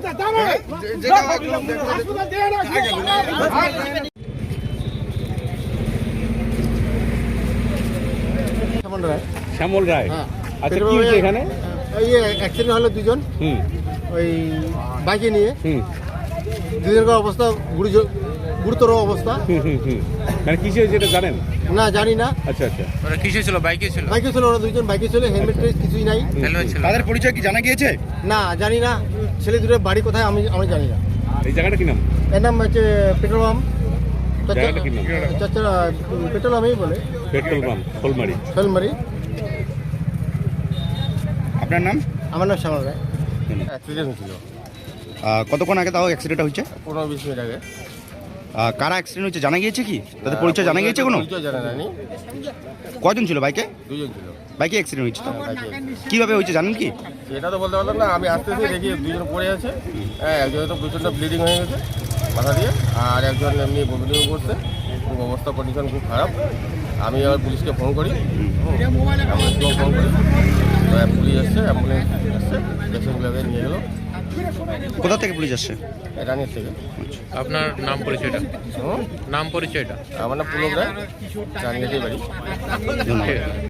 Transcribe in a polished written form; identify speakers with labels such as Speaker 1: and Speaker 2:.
Speaker 1: শ্যামল রায়। আচ্ছা, কি হয়েছে এখানে?
Speaker 2: এই অ্যাক্সিডেন্ট হলো দুজন, ওই বাইকে নিয়ে। দুজনের অবস্থা গুরুতর অবস্থা।
Speaker 1: মানে কিসে হয়েছে এটা জানেন?
Speaker 2: না, জানি না।
Speaker 1: আচ্ছা আচ্ছা,
Speaker 3: ওরা কিসে ছিল? বাইকে ছিল?
Speaker 2: বাইকে ছিল, ওরা দুজন বাইকে ছিল, হেলমেট কিছুই নাই।
Speaker 3: তাদের পরিচয় কি জানা গিয়েছে?
Speaker 2: না, জানি না। ছেলে দুটোর বাড়ি কোথায় আমি জানি না।
Speaker 1: এই জায়গাটা কি নাম?
Speaker 2: এর নাম হচ্ছে পেট্রোল পাম্প।
Speaker 1: জায়গাটা কি নাম?
Speaker 2: পেট্রোল পাম্পই বলে,
Speaker 1: পেট্রোল পাম্প শোলমারি।
Speaker 2: শোলমারি।
Speaker 3: আপনার নাম?
Speaker 2: আমার নাম শ্যামল রায়। অ্যাক্সিডেন্ট হয়েছিল
Speaker 3: কতক্ষণ আগে তাও অ্যাক্সিডেন্ট হয়েছে?
Speaker 2: 15-20 মিনিট আগে।
Speaker 3: কারা অ্যাক্সিডেন্ট হয়েছে জানা গিয়েছে কি? তাদের পরিচয় জানা গিয়েছে কোনো?
Speaker 2: পরিচয় জানা যায়নি।
Speaker 3: কয়জন ছিল বাইকে?
Speaker 2: দুজন ছিল।
Speaker 3: বাইকে অ্যাক্সিডেন্ট হয়েছে?
Speaker 2: বাইকে।
Speaker 3: কিভাবে হয়েছে জানেন কি?
Speaker 2: সেটা তো বলতে পারলাম না। আমি আসতেছি দেখি দুজন পড়ে আছে। হ্যাঁ, একজনের তো প্রচণ্ড ব্লিডিং হয়ে গেছে মাথা দিয়ে, আর একজন এমনি বমিটিং করছে। খুব অবস্থা, কন্ডিশন খুব খারাপ। আমি আবার পুলিশকে ফোন করি, অ্যাম্বুলেন্সকেও ফোন করি। তো পুলিশ এসছে, অ্যাম্বুলেন্স এসছে, পেশেন্টগুলোকে নিয়ে গেলো।
Speaker 3: কোথা থেকে পুলিশ আসছে?
Speaker 2: রানির থেকে।
Speaker 4: আপনার নাম পরিচয়টা? নাম পরিচয়টা?
Speaker 2: আমার নাম পুলক রায়, রানিয়াতেই বাড়ি।
Speaker 3: ধন্যবাদ।